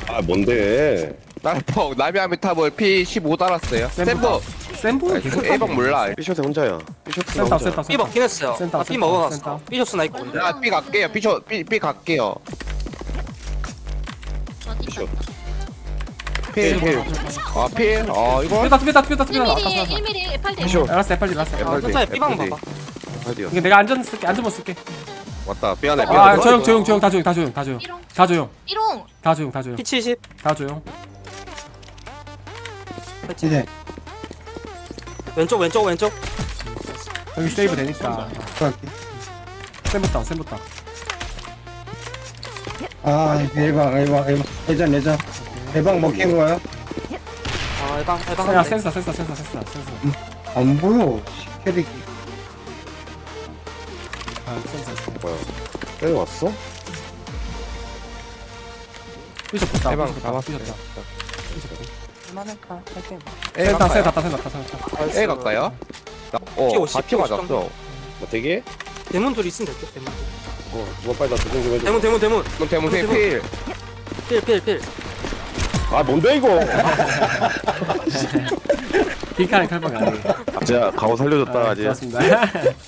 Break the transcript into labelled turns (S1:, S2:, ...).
S1: 아 뭔데?
S2: 나폭 나미아미 탑을 P15 달았어요. 샘버
S3: 센부 계속
S2: A방 몰라.
S1: 삐셔츠 혼자야. 삐셔츠
S3: 센터
S1: 혼자.
S3: 센터
S4: B 먹긴 했어요.
S3: 센터,
S4: 아, B
S3: 센터,
S4: 먹어놨어.
S3: 센터.
S4: B 줬으나 있고 근데.
S2: 나 B 갈게요. B 갈게요.
S1: 삐셔.
S2: 필. 아 필. 아 이거
S3: 삐다
S5: 1mm 1mm FRD
S1: 삐셔.
S3: 알았어 FRD 알았어
S4: 아,
S1: FRD.
S4: 천천히 B방 봐봐.
S1: 어디야?
S3: 이게 내가 안전 쓸게 안전모 쓸게
S1: 왔다. 삐안해.
S3: 아
S1: 삐안해.
S3: 조용 다 조용 다 조용 다 조용
S5: 삐롱
S3: 다 조용
S5: 삐롱
S3: 다 조용 다 조용
S4: P70.
S3: 다 조용
S6: 이제
S4: 왼쪽.
S3: 여기 세이브 되니까
S6: 들어갈게.
S3: 센부터
S6: 아 일방 예전 대방 먹힌 거야?
S4: 아, 해방.
S3: 야
S4: 한대.
S3: 센서
S6: 안 보여. 캐릭이.
S3: 아 센서
S1: 뭐야? 여기 왔어?
S3: 삐졌다
S2: 해방
S3: 삐졌다
S2: 잡았어요.
S4: 할만할까? 할게.
S2: A
S3: 센터
S2: 갈까요?
S3: 센터
S2: A 갈까요?
S4: P50,
S2: 같이 맞았어.
S1: 뭐 되게?
S4: 대문 둘 있으면 될게. 대문.
S1: 누가 빨리 나 도전 좀 해줘.
S4: 대문.
S2: 그럼 대문 필.
S4: 필.
S1: 아 뭔데 이거?
S3: 빅카는 칼빵이 아니에요
S1: 제가 가오 살려줬다 아직.
S3: 고맙습니다